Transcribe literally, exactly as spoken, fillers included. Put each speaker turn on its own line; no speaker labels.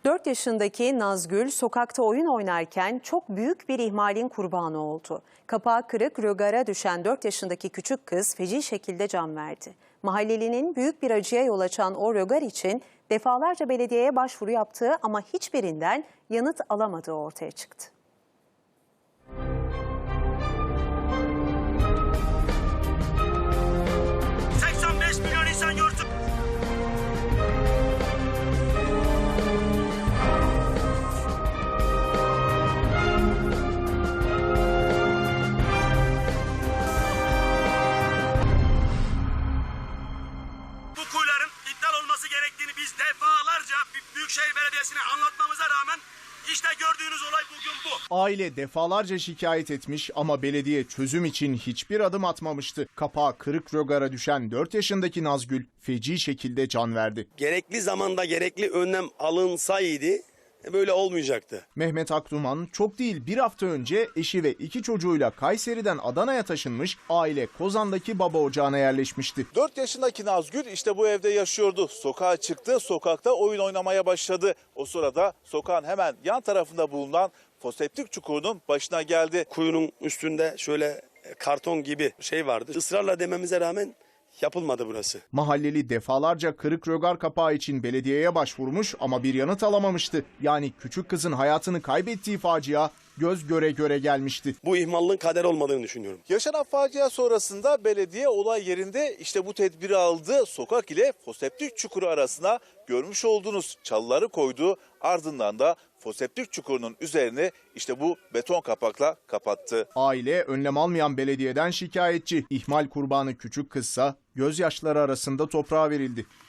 dört yaşındaki Nazgül sokakta oyun oynarken çok büyük bir ihmalin kurbanı oldu. Kapağı kırık rögara düşen dört yaşındaki küçük kız feci şekilde can verdi. Mahallelinin büyük bir acıya yol açan o rögar için defalarca belediyeye başvuru yaptığı ama hiçbirinden yanıt alamadığı ortaya çıktı.
seksen beş milyon insan gördü. Bu kuyuların iptal olması gerektiğini biz defalarca Büyükşehir Belediyesi'ne anlatmamıza rağmen işte gördüğünüz olay bugün bu.
Aile defalarca şikayet etmiş ama belediye çözüm için hiçbir adım atmamıştı. Kapağı kırık rögara düşen dört yaşındaki Nazgül feci şekilde can verdi.
Gerekli zamanda gerekli önlem alınsaydı böyle olmayacaktı.
Mehmet Akduman çok değil bir hafta önce eşi ve iki çocuğuyla Kayseri'den Adana'ya taşınmış, aile Kozan'daki baba ocağına yerleşmişti.
dört yaşındaki Nazgül işte bu evde yaşıyordu. Sokağa çıktı, sokakta oyun oynamaya başladı. O sırada sokağın hemen yan tarafında bulunan foseptik çukurunun başına geldi.
Kuyunun üstünde şöyle karton gibi şey vardı. Israrla dememize rağmen yapılmadı burası.
Mahalleli defalarca kırık rögar kapağı için belediyeye başvurmuş ama bir yanıt alamamıştı. Yani küçük kızın hayatını kaybettiği facia göz göre göre gelmişti.
Bu ihmallığın kader olmadığını düşünüyorum.
Yaşanan facia sonrasında belediye olay yerinde işte bu tedbiri aldı. Sokak ile foseptik çukuru arasına görmüş olduğunuz çalıları koydu. Ardından da foseptik çukurunun üzerine işte bu beton kapakla kapattı.
Aile önlem almayan belediyeden şikayetçi. İhmal kurbanı küçük kızsa gözyaşları arasında toprağa verildi.